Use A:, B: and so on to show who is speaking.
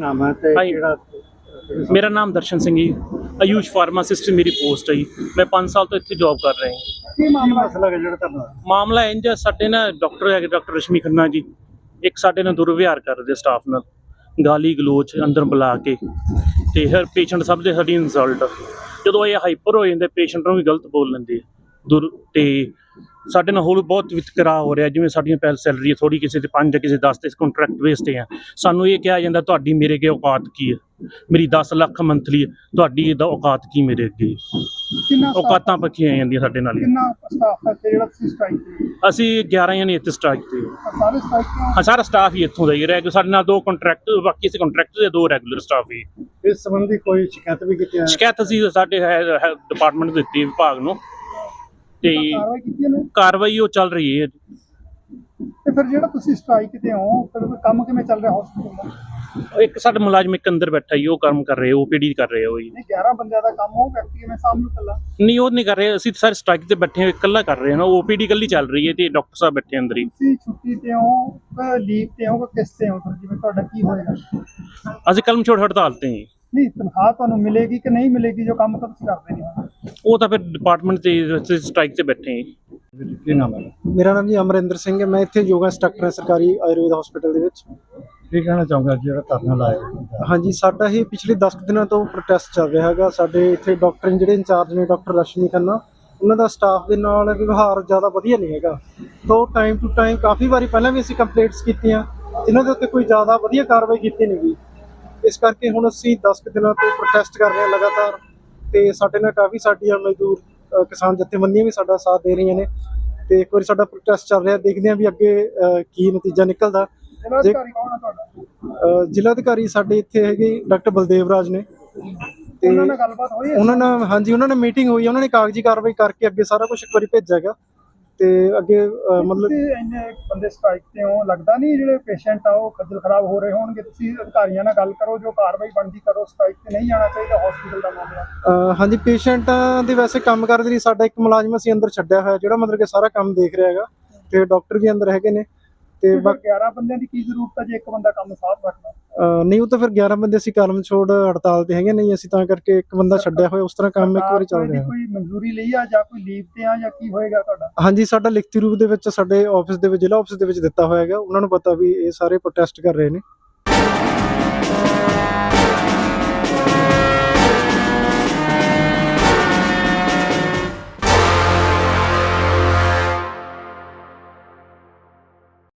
A: ਨਾਮ ਹੈ ਤੇ
B: ਹਾਂਜੀ।
A: ਕਿਹੜਾ
B: ਮੇਰਾ ਨਾਮ ਦਰਸ਼ਨ ਸਿੰਘ ਜੀ, ਆਯੂਸ਼ ਫਾਰਮਾਸਿਸਟ ਮੇਰੀ ਪੋਸਟ ਹੈ ਜੀ। ਮੈਂ 5 ਸਾਲ ਤੋਂ ਇੱਥੇ ਜੌਬ ਕਰ ਰਿਹਾ ਹਾਂ।
A: ਕੀ ਮਸਲਾ ਹੈ ਜਿਹੜਾ ਤੁਹਾਨੂੰ
B: ਮਾਮਲਾ ਇੰਜ ਹੈ, ਸਾਡੇ ਨਾ ਡਾਕਟਰ ਹੈਗੇ ਡਾਕਟਰ ਰਸ਼ਮੀ ਖੰਨਾ ਜੀ, ਇੱਕ ਸਾਡੇ ਨਾਲ ਦੁਰਵਿਹਾਰ ਕਰਦੇ ਸਟਾਫ ਨਾਲ, ਗਾਲੀ ਗਲੋਚ ਅੰਦਰ ਬੁਲਾ ਕੇ, ਤੇ ਹਰ ਪੇਸ਼ੈਂਟ ਸਭ ਦੇ ਸਾਡੀ ਇਨਸਲਟ। ਜਦੋਂ ਇਹ ਹਾਈਪਰ ਹੋ ਜਾਂਦੇ ਪੇਸ਼ੈਂਟ ਨੂੰ ਵੀ ਗਲਤ ਬੋਲ ਲੈਂਦੇ ਤੇ ਸਾਡੇ ਨਾਲ ਹੋਰ ਬਹੁਤ ਵਿਤਕਰਾ ਹੋ ਰਿਹਾ, ਜਿਵੇਂ ਸਾਡੀਆਂ ਪਹਿਲ ਸੈਲਰੀ ਥੋੜੀ ਕਿਸੇ ਤੇ 5 ਕਿਸੇ 10 ਤੇ ਕੰਟਰੈਕਟ ਬੇਸ ਤੇ ਆ। ਸਾਨੂੰ ਇਹ ਕਿਹਾ ਜਾਂਦਾ ਤੁਹਾਡੀ ਮੇਰੇ ਅੱਗੇ ਔਕਾਤ ਕੀ ਹੈ, ਮੇਰੀ 10 ਲੱਖ ਮੰਥਲੀ ਹੈ, ਤੁਹਾਡੀ ਇਹਦਾ ਔਕਾਤ ਕੀ ਮੇਰੇ ਅੱਗੇ।
A: ਕਿੰਨਾ
B: ਔਕਾਤਾਂ ਪੱਕੀਆਂ ਜਾਂਦੀਆਂ ਸਾਡੇ ਨਾਲ।
A: ਕਿੰਨਾ ਸਟਾਫ ਹੈ ਤੇ ਜਿਹੜਾ ਤੁਸੀਂ ਸਟ੍ਰਾਈਕ ਤੇ
B: ਅਸੀਂ 11 ਜਣੇ ਇੱਥੇ ਸਟ੍ਰਾਈਕ ਤੇ।
A: ਸਾਰੇ ਸਟ੍ਰਾਈਕ
B: ਹਾਂ, ਸਾਰਾ ਸਟਾਫ ਹੀ ਇੱਥੋਂ ਦਾ ਹੀ ਰਹਿ ਗਿਆ। ਸਾਡੇ ਨਾਲ 2 ਕੰਟਰੈਕਟ, ਬਾਕੀ ਅਸੀਂ ਕੰਟਰੈਕਟ ਦੇ 2 ਰੈਗੂਲਰ ਸਟਾਫ ਹੀ।
A: ਇਸ ਸੰਬੰਧੀ ਕੋਈ ਸ਼ਿਕਾਇਤ ਵੀ ਕੀਤੀ ਹੈ?
B: ਸ਼ਿਕਾਇਤ ਅਸੀਂ ਸਾਡੇ ਡਿਪਾਰਟਮੈਂਟ ਦਿੱਤੀ ਵਿਭਾਗ ਨੂੰ, ਤੇ
A: ਕਾਰਵਾਈ ਕੀਤੀ ਇਹਨੇ
B: ਕਾਰਵਾਈ ਉਹ ਚੱਲ ਰਹੀ ਹੈ।
A: ਤੇ ਫਿਰ ਜਿਹੜਾ ਤੁਸੀਂ ਸਟ੍ਰਾਈਕ ਤੇ ਹੋ ਫਿਰ ਕੰਮ ਕਿਵੇਂ ਚੱਲ ਰਿਹਾ ਹਸਪੀਟਲ ਦਾ?
B: ਇੱਕ ਸਾਡਾ ਮੁਲਾਜ਼ਮ ਇੱਕ ਅੰਦਰ ਬੈਠਾ ਹੀ, ਉਹ ਕੰਮ ਕਰ ਰਹੇ, OPD ਕਰ ਰਹੇ ਉਹ ਹੀ।
A: ਨਹੀਂ 11 ਬੰਦਿਆਂ ਦਾ ਕੰਮ ਹੋ, ਵਿਅਕਤੀ ਕਿਵੇਂ ਸਾਹਮਣੇ ਕੱਲਾ?
B: ਨਹੀਂ, ਉਹ ਨਹੀਂ ਕਰ ਰਹੇ, ਅਸੀਂ ਸਾਰੇ ਸਟ੍ਰਾਈਕ ਤੇ ਬੈਠੇ ਹਾਂ, ਇਕੱਲਾ ਕਰ ਰਹੇ ਹਾਂ ਨਾ। OPD ਇਕੱਲੀ ਚੱਲ ਰਹੀ ਹੈ ਤੇ ਡਾਕਟਰ ਸਾਹਿਬ ਬੈਠੇ ਅੰਦਰ ਹੀ।
A: ਤੁਸੀਂ ਛੁੱਟੀ ਤੇ ਹੋ, ਲੀਵ ਤੇ ਹੋ, ਕਿਸ ਤੇ ਹੋ? ਫਿਰ ਜਿਵੇਂ ਤੁਹਾਡਾ ਕੀ ਹੋਏਗਾ?
B: ਅਸੀਂ ਕਲਮ ਛੋੜ ਹੜਤਾਲ ਤੇ ਹਾਂ।
A: ਨਹੀਂ, ਤਨਖਾਹ ਤੁਹਾਨੂੰ ਮਿਲੇਗੀ ਕਿ ਨਹੀਂ ਮਿਲੇਗੀ? ਜੋ ਕੰਮ ਤਾਂ ਤੁਸੀਂ ਕਰਦੇ ਨਹੀਂ।
B: ਉਹ ਤਾਂ ਫਿਰ ਡਿਪਾਰਟਮੈਂਟ ਤੇ ਸਟ੍ਰਾਈਕ ਤੇ ਬੈਠੇ ਹਾਂ।
A: ਕੀ ਨਾਮ ਹੈ?
C: ਮੇਰਾ ਨਾਮ ਜੀ ਅਮਰਿੰਦਰ ਸਿੰਘ ਹੈ। ਮੈਂ ਇੱਥੇ ਯੋਗਾ ਇੰਸਟ੍ਰਕਟਰ ਹਾਂ ਸਰਕਾਰੀ ਆਯੁਰਵੇਦ ਹਸਪੀਟਲ ਦੇ ਵਿੱਚ।
A: ਕੀ ਕਹਿਣਾ ਚਾਹੁੰਗਾ ਜਿਹੜਾ ਧਰਨਾ ਲਾਇਆ?
C: ਹਾਂਜੀ, ਸਾਡਾ ਇਹ ਪਿਛਲੇ 10 ਦਿਨਾਂ ਤੋਂ ਪ੍ਰੋਟੈਸਟ ਚੱਲ ਰਿਹਾ ਹੈਗਾ। ਸਾਡੇ ਇੱਥੇ ਡਾਕਟਰ ਜਿਹੜੇ ਇੰਚਾਰਜ ਨੇ ਡਾਕਟਰ ਰਸ਼ਮੀ ਖੰਨਾ, ਉਹਨਾਂ ਦਾ ਸਟਾਫ ਦੇ ਨਾਲ ਵਿਵਹਾਰ ਜ਼ਿਆਦਾ ਵਧੀਆ ਨਹੀਂ ਹੈਗਾ। ਤੋਂ ਟਾਈਮ ਟੂ ਟਾਈਮ ਕਾਫੀ ਵਾਰੀ ਪਹਿਲਾਂ ਵੀ ਅਸੀਂ ਕੰਪਲੇਂਟਸ ਕੀਤੀਆਂ, ਇਹਨਾਂ ਦੇ ਉੱਤੇ ਕੋਈ ਜ਼ਿਆਦਾ ਵਧੀਆ ਕਾਰਵਾਈ ਕੀਤੀ ਨਹੀਂ ਗਈ। ਇਸ ਕਰਕੇ ਹੁਣ ਅਸੀਂ 10 ਦਿਨਾਂ ਤੋਂ ਪ੍ਰੋਟੈਸਟ ਕਰ ਰਹੇ ਹਾਂ ਲਗਾਤਾਰ, ਤੇ ਸਾਡੇ ਨਾਲ ਕਾਫੀ ਸਾਡੀਆਂ ਮਜ਼ਦੂਰ ਕਿਸਾਨ ਜਥੇਬੰਦੀਆਂ ਵੀ ਸਾਡਾ ਸਾਥ ਦੇ ਰਹੀਆਂ ਨੇ। ਤੇ ਇੱਕ ਵਾਰੀ ਸਾਡਾ ਪ੍ਰੋਟੈਸਟ ਚੱਲ ਰਿਹਾ, ਦੇਖਦੇ ਹਾਂ ਵੀ ਅੱਗੇ ਕੀ ਨਤੀਜਾ ਨਿਕਲਦਾ।
A: ਜ਼ਿਲ੍ਹਾ ਅਧਿਕਾਰੀ ਕੌਣ ਹੈ ਤੁਹਾਡਾ?
C: ਜ਼ਿਲ੍ਹਾ ਅਧਿਕਾਰੀ ਸਾਡੇ ਇੱਥੇ ਹੈਗੇ ਡਾਕਟਰ ਬਲਦੇਵ ਰਾਜ ਨੇ। ਤੇ
A: ਉਹਨਾਂ ਨਾਲ ਗੱਲਬਾਤ ਹੋਈ ਹੈ?
C: ਉਹਨਾਂ ਨਾਲ, ਹਾਂਜੀ, ਉਹਨਾਂ ਨਾਲ ਮੀਟਿੰਗ ਹੋਈ ਹੈ। ਉਹਨਾਂ ਨੇ ਕਾਗਜ਼ੀ ਕਾਰਵਾਈ ਕਰਕੇ ਅੱਗੇ ਸਾਰਾ ਕੁਝ ਇੱਕ ਵਾਰੀ ਭੇਜਿਆ ਹੈਗਾ। ਤੇ ਅੱਗੇ ਮਤਲਬ
A: ਤੁਸੀਂ ਇੰਨੇ ਬੰਦੇ ਸਟ੍ਰਾਈਕ ਤੇ ਹੋ, ਲੱਗਦਾ ਨਹੀਂ ਜਿਹੜੇ ਪੇਸ਼ੈਂਟ ਆ ਉਹ ਖੱਜਲ ਖਰਾਬ ਹੋ ਰਹੇ ਹੋਣਗੇ? ਤੁਸੀਂ ਅਧਿਕਾਰੀਆਂ ਨਾਲ ਗੱਲ ਕਰੋ, ਜੋ ਕਾਰਵਾਈ ਬਣਦੀ ਕਰੋ। ਸਟ੍ਰਾਈਕ ਤੇ ਨਹੀਂ ਜਾਣਾ ਚਾਹੀਦਾ ਹਸਪੀਟਲ ਦਾ ਮਾਮਲਾ।
C: ਹਾਂਜੀ, ਪੇਸ਼ੈਂਟਾਂ ਦੇ ਵੈਸੇ ਕੰਮ ਕਰਨ ਦੇ ਲਈ ਸਾਡਾ ਇੱਕ ਮੁਲਾਜ਼ਮ ਅਸੀਂ ਅੰਦਰ ਛੱਡਿਆ ਹੋਇਆ, ਜਿਹੜਾ ਮਤਲਬ ਕਿ ਸਾਰਾ ਕੰਮ ਦੇਖ ਰਿਹਾ ਹੈਗਾ, ਤੇ ਡਾਕਟਰ ਵੀ ਅੰਦਰ ਹੈਗੇ ਨੇ। ਤੇ
A: 11 ਬੰਦਿਆਂ ਦੀ ਕੀ ਜ਼ਰੂਰਤ ਹੈ ਜੇ ਇੱਕ ਬੰਦਾ ਕੰਮ ਸਾਫ਼ ਰੱਖਦਾ?
C: ਨਹੀਂ, ਉਹ ਤਾਂ ਫਿਰ 11 ਬੰਦੇ ਅਸੀਂ ਕਲਮ ਛੋੜ ਹੜਤਾਲ ਤੇ ਹੈਗੇ, ਨਹੀਂ ਅਸੀਂ ਤਾਂ ਕਰਕੇ ਇੱਕ ਬੰਦਾ ਛੱਡਿਆ ਹੋਇਆ। ਉਸ ਤਰ੍ਹਾਂ ਕੰਮ ਇੱਕ ਵਾਰੀ ਚੱਲ ਰਿਹਾ।
A: ਕੋਈ ਮਨਜ਼ੂਰੀ ਲਈ ਆ ਜਾਂ ਕੋਈ ਲੀਵ ਤੇ ਆ ਜਾਂ ਕੀ ਹੋਏਗਾ ਤੁਹਾਡਾ?
C: ਹਾਂਜੀ, ਸਾਡਾ ਲਿਖਤੀ ਰੂਪ ਦੇ ਵਿੱਚ ਸਾਡੇ ਆਫਿਸ ਦੇ ਵਿੱਚ, ਜ਼ਿਲ੍ਹਾ ਆਫਿਸ ਦੇ ਵਿੱਚ ਦਿੱਤਾ ਹੋਇਆ ਹੈਗਾ। ਉਹਨਾਂ ਨੂੰ ਪਤਾ ਵੀ ਇਹ ਸਾਰੇ ਪ੍ਰੋਟੈਸਟ ਕਰ ਰਹੇ ਨੇ।